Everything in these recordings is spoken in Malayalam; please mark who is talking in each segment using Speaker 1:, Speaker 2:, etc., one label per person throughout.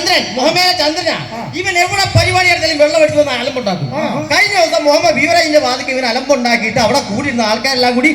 Speaker 1: ചന്ദ്രൻ മുഹമ്മദ് ചന്ദ്രനാ. ഇവൻ എവിടെ പരിപാടി എടുത്താലും വെള്ളം അടിച്ചു വന്ന് അലമ്പുണ്ടാക്കും. കഴിഞ്ഞ ദിവസം മുഹമ്മദ് ബീവറേജിന്റെ വാതിക്ക് ഇവൻ അലമ്പുണ്ടാക്കിയിട്ട് അവിടെ കൂടിയിരുന്ന ആൾക്കാരെല്ലാം കൂടി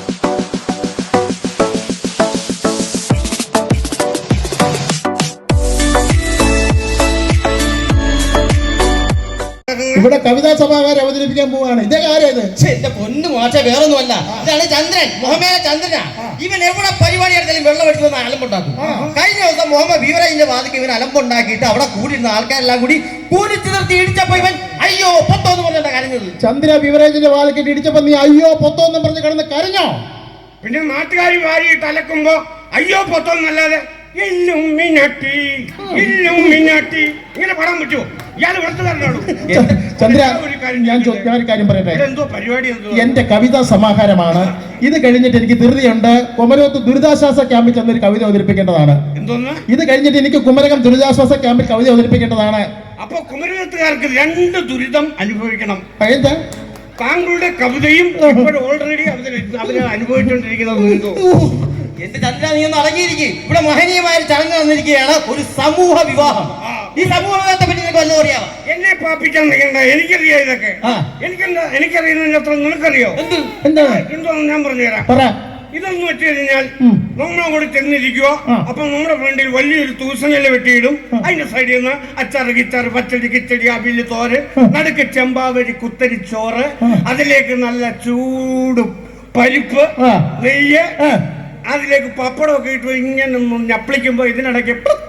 Speaker 2: ഇവിടെ കവിതാ സഭാകാരെ അവതരിപ്പിക്കാൻ പോവാണ്. ഇതേ കാര്യം ഇത്.
Speaker 1: എന്റെ പൊന്നു മാഷെ, വേറൊന്നുമല്ല. ഇതാണ് ചന്ദ്രൻ മുഹമ്മദ് ചന്ദ്രനാ. ഇവൻ എവിടെ പരിപാടി എടുത്താലും വെള്ളം അടിച്ചു വന്ന് അലമ്പുണ്ടാക്കും. കഴിഞ്ഞ ദിവസം മുഹമ്മദ് ബീവറേജിന്റെ വാതിക്ക് ഇവൻ അലമ്പുണ്ടാക്കിയിട്ട് അവിടെ കൂടിയിരുന്ന ആൾക്കാരെല്ലാം കൂടി കൂടിച്ചു നിർത്തി ഇടിച്ചപ്പോ ഇവൻ അയ്യോ പൊത്തോ എന്ന് പറഞ്ഞാ കരഞ്ഞത്.
Speaker 2: ചന്ദ്ര ബീവറേജിന്റെ വാതിക്കിട്ട് ഇടിച്ചപ്പോ നീ അയ്യോ പൊത്തോ എന്ന് പറഞ്ഞ് കിടന്ന് കരഞ്ഞോ?
Speaker 3: പിന്നെ നാട്ടുകാർ വാരിയിട്ട് അലക്കുമ്പോ അയ്യോ പൊത്തോ എന്നല്ലാതെ ഇല്ലുമിനാട്ടി ഇങ്ങനെ പാടാൻ പറ്റുമോ? ഇയാൾ വെറുത്തുകാരനാണോ?
Speaker 2: ചന്ദ്ര, ഞാൻ ഒരു കാര്യം പറയട്ടെ.
Speaker 3: എന്തോ പരിപാടി?
Speaker 2: എന്റെ കവിതാ സമാഹാരമാണ്. ഇത് കഴിഞ്ഞിട്ട് എനിക്ക് ധൃതിയുണ്ട്. കുമരകത്ത് ദുരിതാശ്വാസ ക്യാമ്പിൽ ചെന്നൊരു കവിത അവതരിപ്പിക്കേണ്ടതാണ്.
Speaker 3: എന്തോന്ന്?
Speaker 2: ഇത് കഴിഞ്ഞിട്ട് എനിക്ക് കുമരകം ദുരിതാശ്വാസ ക്യാമ്പിൽ കവിത അവതരിപ്പിക്കേണ്ടതാണ്.
Speaker 3: അപ്പൊ കുമരകത്തുകാർക്ക് 2 ദുരിതം അനുഭവിക്കണം.
Speaker 2: എന്താ?
Speaker 3: താങ്കളുടെ കവിതയും ഓൾറെഡി അവര് അനുഭവിച്ചുകൊണ്ടിരിക്കുന്നത്.
Speaker 1: എന്റെ ചന്ദ്ര, നീ ഒന്ന് അടങ്ങിയിരിക്കും. ഇവിടെ മഹനീയമായ ഒരു ചടങ്ങ് വന്നിരിക്കുകയാണ്, ഒരു സമൂഹ വിവാഹം. ഈ സമൂഹ വിവാഹത്തെ പറ്റി നിനക്ക് വല്ലതും അറിയാമോ?
Speaker 3: എന്നെ പാപ്പിക്കാൻ നിൽക്കണ്ട, എനിക്കറിയാം ഇതൊക്കെ. എനിക്കറിയുന്നതിന് അത്ര നിനക്കറിയോ? എന്തോന്ന് ഞാൻ പറഞ്ഞുതരാം. ഇതെന്ന് വെച്ച് കഴിഞ്ഞാൽ നമ്മളങ്ങോട്ട് ചെന്നിരിക്കുക. അപ്പൊ നമ്മുടെ ഫ്രണ്ടിൽ വലിയൊരു തൂസഞ്ഞല് വെട്ടിയിടും. അതിന്റെ സൈഡിൽ നിന്ന് അച്ചാറ് കിച്ചാറ് പച്ചടി കിച്ചടി അവില് തോര്, നടുക്ക് ചെമ്പാവരി കുത്തരി ചോറ്, അതിലേക്ക് നല്ല ചൂട് പരിപ്പ് നെയ്യ്, അതിലേക്ക് പപ്പടമൊക്കെ ഇട്ട് ഇങ്ങനെ ഞപ്പിളിക്കുമ്പോ ഇതിനിടയ്ക്ക്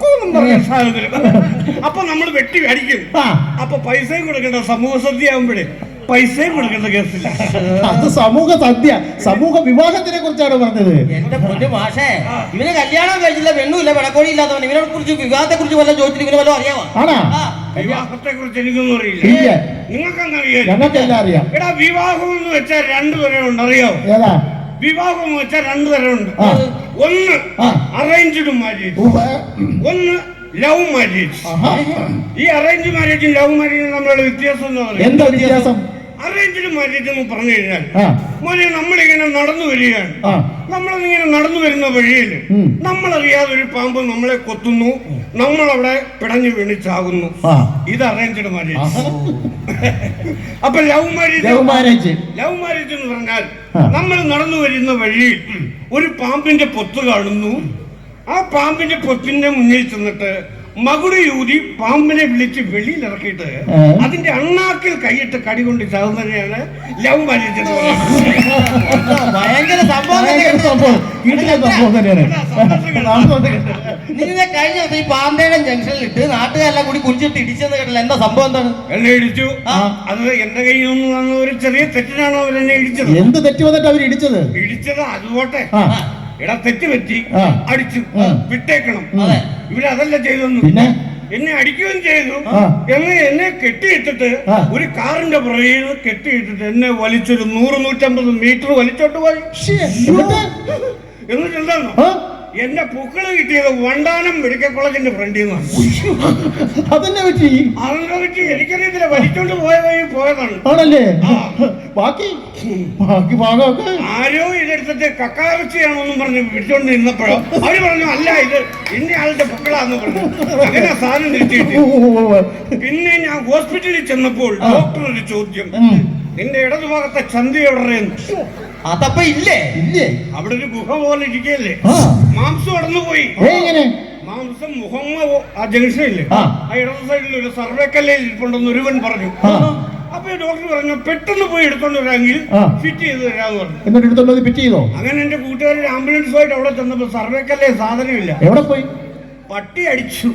Speaker 3: അപ്പൊ നമ്മൾ വെട്ടി അടിക്കും. അപ്പൊ പൈസയും കൊടുക്കേണ്ട. സമൂഹ സദ്യ ആകുമ്പോഴേ പൈസയും കൊടുക്കേണ്ട കേസില്ല.
Speaker 2: അത് സമൂഹ സദ്യ, സമൂഹ വിവാഹത്തിനെ കുറിച്ചാണ് പറഞ്ഞത്.
Speaker 1: എന്റെ പൊന്നു മാഷേ, ഇവന് കല്യാണം കഴിച്ചില്ല, പെണ്ണുമില്ല, വിളക്കോടി ഇല്ലാത്തവൻ. ഇവനെ കുറിച്ച് വിവാഹത്തെ കുറിച്ച് വല്ല ചോദിച്ചിട്ട് ഇവന് വല്ലതും അറിയാമോ?
Speaker 3: വിവാഹത്തെ കുറിച്ച് എനിക്കൊന്നും അറിയില്ല. നിങ്ങൾക്കെന്താ അറിയാം?
Speaker 2: ഞങ്ങൾക്കെല്ലാം അറിയാം.
Speaker 3: എടാ, വിവാഹം എന്ന് വെച്ചാൽ 2 തരമുണ്ട്, അറിയോ?
Speaker 2: ഏതാ
Speaker 3: വിവാഹം എന്ന് വെച്ചാൽ 2 തരമുണ്ട്. ഒന്ന് അറേഞ്ച്ഡ് മാരേജ്, ഒന്ന് ലവ് മാരേജ്. ഈ അറേഞ്ച് മാരേജും ലവ് മാരേജും തമ്മിലുള്ള വ്യത്യാസം
Speaker 2: എന്താ വ്യത്യാസം?
Speaker 3: അറേഞ്ച്ഡ് മാരേജ് എന്ന് പറഞ്ഞു കഴിഞ്ഞാൽ മോനെ, നമ്മളിങ്ങനെ നടന്നു വരികയാണ്. നമ്മളിങ്ങനെ നടന്നു വരുന്ന വഴിയിൽ നമ്മളറിയാതെ ഒരു പാമ്പ് നമ്മളെ കൊത്തുന്നു, നമ്മളവിടെ പിടഞ്ഞു വീണിച്ചാകുന്നു. ഇത് അറേഞ്ച്ഡ് മാരേജ്. അപ്പൊ ലവ് മാരേജ് എന്ന് പറഞ്ഞാൽ നമ്മൾ നടന്നു വരുന്ന വഴിയിൽ ഒരു പാമ്പിന്റെ പൊത്ത് കാണുന്നു. ആ പാമ്പിന്റെ പൊത്തിന്റെ മുന്നിൽ ചെന്നിട്ട് മകുടി യൂതി പാമ്പിനെ വിളിച്ച് വെളിയിൽ ഇറക്കിയിട്ട് അതിന്റെ അണ്ണാക്കിൽ കൈയിട്ട് കടി കൊണ്ട് ചാവുന്നതിനെയാണ് ലവ് മാരേജ് എന്ന് പറയുന്നത്.
Speaker 1: ഭയങ്കര നിന്നെ കഴിഞ്ഞ ദിവസം ഈ പാമ്പേടം ജംഗ്ഷനിൽ ഇട്ട് നാട്ടുകാരെല്ലാം കൂടി കുടിച്ചിട്ട് ഇടിച്ചെന്ന് കേട്ടില്ല. എന്താ സംഭവം? എന്താണ്?
Speaker 3: എന്നെ ഇടിച്ചു. അത് എന്റെ കയ്യിൽ നിന്ന് വന്ന ഒരു ചെറിയ തെറ്റിനാണ് അവരെന്നെ ഇടിച്ചത്.
Speaker 2: എന്ത് തെറ്റ് വന്നിട്ട് അവർ ഇടിച്ചത്?
Speaker 3: അതുപോട്ടെ. എടാ, തെറ്റ് പറ്റി, അടിച്ചു, വിട്ടേക്കണം. ഇവരതല്ല ചെയ്തൊന്നും. എന്നെ അടിക്കുകയും ചെയ്തു. എന്നെ കെട്ടിയിട്ടിട്ട് ഒരു കാറിന്റെ പുറകിൽ കെട്ടിയിട്ടിട്ട് എന്നെ വലിച്ചൊരു 100-150 മീറ്റർ വലിച്ചോട്ട് പോയി. എന്നിട്ട് എന്താണോ എന്റെ പൂക്കള് കിട്ടിയത് വണ്ടാനം മെഡിക്കൽ കോളേജിന്റെ ഫ്രണ്ടിൽ നിന്നാണ്.
Speaker 2: അതെന്നെ പറ്റി?
Speaker 3: അതിനെ പറ്റി എനിക്കറിയത്തില്ല. വലിച്ചോണ്ട് പോയതാണ്.
Speaker 2: ആണല്ലേ? ബാക്കി
Speaker 3: ആരോ ഇതെടുത്തിട്ട് കക്കാവച്ചിയാണോന്നും പറഞ്ഞ് പിടിച്ചോണ്ട് നിന്നപ്പോഴോ അവര് പറഞ്ഞു അല്ല, ഇത് ഇന്ന ആളുടെ പൂക്കളാന്ന് പറഞ്ഞു. അങ്ങനെ സാധനം തിരിച്ചിട്ട് പിന്നെ ഞാൻ ഹോസ്പിറ്റലിൽ ചെന്നപ്പോൾ ഡോക്ടർ ഒരു ചോദ്യം, നിന്റെ ഇടതുഭാഗത്തെ ചന്തി എവിടെ?
Speaker 1: അതപ്പ ഇല്ലേ?
Speaker 3: അവിടെ ഒരു ഗുഹ പോലെ ഇരിക്കല്ലേ, മാംസം അടന്നു പോയി. മാംസം മുഹമ്മ ആ ജംഗ്ഷനില്ലേ, ആ ഇടത് സൈഡിൽ ഒരു സർവേക്കല്ലയിൽ ഇരിപ്പുണ്ടെന്ന് ഒരുവൻ പറഞ്ഞു. അപ്പൊ ഡോക്ടർ പറഞ്ഞു പെട്ടെന്ന് പോയി എടുത്തോണ്ട് വരാമെങ്കിൽ ഫിറ്റ് ചെയ്ത് തരാന്ന് പറഞ്ഞു.
Speaker 2: എന്നിട്ട് എടുത്തോണ്ട് ഫിറ്റ് ചെയ്തോ?
Speaker 3: അങ്ങനെ എന്റെ കൂട്ടുകാരൻ ആംബുലൻസുമായിട്ട് അവിടെ ചെന്നപ്പോ സർവേക്കല്ലേ സാധനമില്ല.
Speaker 2: എവിടെ പോയി?
Speaker 3: പട്ടി അടിച്ചു.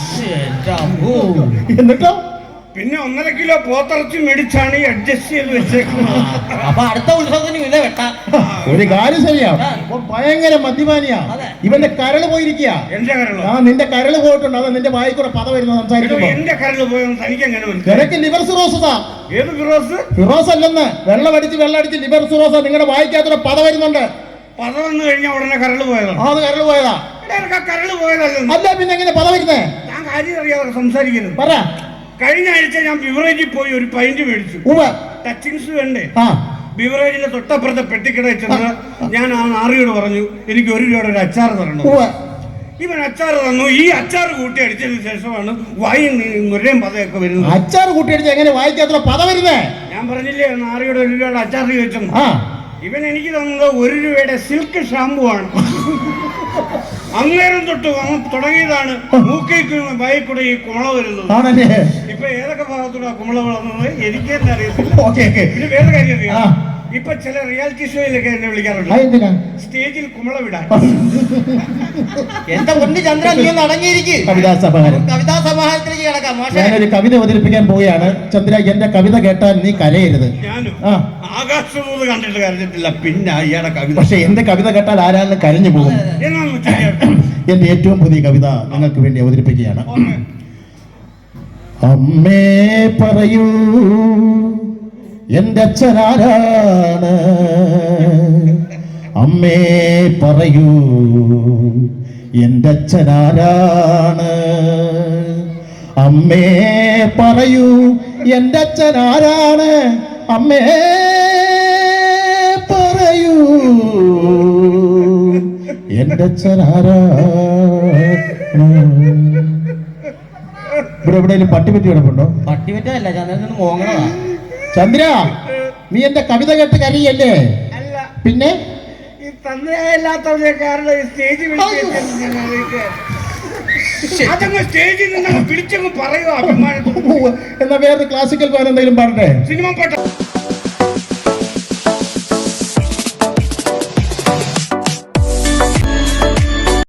Speaker 2: എന്നിട്ടോ
Speaker 3: പിന്നെ 1.5 കിലോ പോത്തിറച്ചി മേടിച്ചാണ് ഈ അഡ്ജസ്റ്റ് ചെയ്ത് വെച്ചേക്കുന്നത്.
Speaker 1: അപ്പൊ അടുത്ത ഉത്സവത്തിന് വില വെട്ടാ.
Speaker 2: ഒരു കാര്യം ശരിയാ, ഭയങ്കര മദ്യപാനിയാ. ഇവന്റെ കരള് പോയിരിക്കുക.
Speaker 3: എന്റെ കരള്?
Speaker 2: ആ, നിന്റെ കരള് പോയിട്ടുണ്ട്. അത് നിന്റെ വായി കൂടെ പദ വരുന്ന സംസാരിക്കുമ്പോ.
Speaker 3: എന്റെ കരള് പോയെന്ന് തനിക്ക് എങ്ങനെ
Speaker 2: നിനക്ക് ലിവർ സിറോസാ.
Speaker 3: ഏത് ഫിറോസ്?
Speaker 2: ഫിറോസ് അല്ലെന്ന്, വെള്ളമടിച്ച് ലിവർ സിറോസ. നിങ്ങളുടെ വായിക്കാത്തൊരു പദ വരുന്നുണ്ട്.
Speaker 3: പദ വന്നു കഴിഞ്ഞാൽ ഉടനെ കരള് പോയതാണ്.
Speaker 2: അത് കരള് പോയതാ.
Speaker 3: കരള് പോയതല്ല.
Speaker 2: അല്ല പിന്നെ എങ്ങനെ പദ വരുന്നേ?
Speaker 3: ഞാൻ കാര്യം അറിയാതെ സംസാരിക്കുന്നു.
Speaker 2: പറ.
Speaker 3: കഴിഞ്ഞ ആഴ്ച ഞാൻ ബിവറേജിൽ പോയി ഒരു പൈന്റ് മേടിച്ചു. ടച്ചിങ്സ് വേണ്ടേ? ബിവറേജിന്റെ തൊട്ടപ്പുറത്തെ പെട്ടിക്കടയിൽ ചെന്ന് ഞാൻ ആ നാറിയോട് പറഞ്ഞു എനിക്ക് 1 രൂപയുടെ ഒരു അച്ചാർ തരണം. ഇവൻ അച്ചാർ തന്നു. ഈ അച്ചാർ കൂട്ടി അടിച്ചതിന് ശേഷമാണ് വായിൽ നുരയും പതയൊക്കെ വരുന്നത്.
Speaker 2: അച്ചാർ കൂട്ടിയടിച്ച് എങ്ങനെ വായിക്കാത്ര പത വരുന്നേ?
Speaker 3: ഞാൻ പറഞ്ഞില്ലേ നാറിയുടെ 1 രൂപയുടെ അച്ചാർ ചോദിച്ചു.
Speaker 2: ആ,
Speaker 3: ഇവൻ എനിക്ക് തന്നത് 1 രൂപയുടെ സിൽക്ക് ഷാമ്പു ആണ്. അന്നേരം തൊട്ട് തുടങ്ങിയതാണ് മൂക്കേക്ക് വായിൽ കൂടെ ഈ കുമള വരുന്നത്.
Speaker 2: ആണല്ലേ?
Speaker 3: ഇപ്പൊ ഏതൊക്കെ ഭാഗത്തൂടെ കുമള വളർന്നത് എനിക്ക് തന്നെ അറിയത്തില്ല.
Speaker 2: Okay okay.
Speaker 3: പിന്നെ വേറെ കാര്യം അറിയാം, ഇപ്പൊ ചില റിയാലിറ്റി ഷോയിലൊക്കെ എന്നെ വിളിക്കാറുണ്ട്
Speaker 2: എന്തിനാ?
Speaker 3: സ്റ്റേജിൽ കുമള വിടാൻ.
Speaker 1: എന്റെ പൊന്ന് ചന്ദ്ര, നീ ഒന്ന് അടങ്ങിയിരിക്കും.
Speaker 2: കവിതാ സമാഹാരം.
Speaker 1: കവിതാ സമാഹാരത്തിലേക്ക് കിടക്കാം. മാഷേ,
Speaker 2: ഞാനൊരു കവിത അവതരിപ്പിക്കാൻ പോവുകയാണ്. ചന്ദ്ര, എന്റെ കവിത കേട്ടാൽ നീ കരയരുത്.
Speaker 3: ഞാനും
Speaker 2: ആ,
Speaker 3: ആകാശദൂത് കണ്ടിട്ട് കരഞ്ഞിട്ടില്ല, പിന്നെ അയാളുടെ കവിത.
Speaker 2: പക്ഷെ എന്റെ കവിത കേട്ടാൽ ആരാണ് കരഞ്ഞു പോകും.
Speaker 3: എന്നാന്ന് വെച്ചാൽ
Speaker 2: എന്റെ ഏറ്റവും പുതിയ കവിത നിങ്ങൾക്ക് വേണ്ടി അവതരിപ്പിക്കുകയാണ്. അമ്മേ പറയൂ എന്റെ അച്ഛനാരാണ്, അമ്മേ പറയൂ എന്റെ അച്ഛനാരാണ്, അമ്മേ പറയൂ എന്റെ അച്ഛനാരാണ്, അമ്മേ പറയൂ എന്റെ അച്ഛനാരാണ്. ഇവിടെ എവിടെയെങ്കിലും പട്ടിപറ്റി കിടപ്പുണ്ടോ?
Speaker 1: പട്ടിപറ്റല്ല, ചന്ദ്രൻ നിന്ന് മോങ്ങണതാ.
Speaker 2: ചന്ദ്ര, നീ എന്റെ കവിത കേട്ട് കരയല്ലേ?
Speaker 3: അല്ല,
Speaker 2: പിന്നെ
Speaker 3: ഈ തന്നെയല്ലാത്തവരെ കാരണം സ്റ്റേജിൽ അതങ്ങ് സ്റ്റേജിൽ നിന്ന് വിളിച്ചങ്ങ് പറയുക അഭിമാനത്തോടെ.
Speaker 2: എന്നാ വേറെ ക്ലാസിക്കൽ ഗാനം എന്തെങ്കിലും പാടട്ടെ?
Speaker 3: സിനിമ പാട്ട്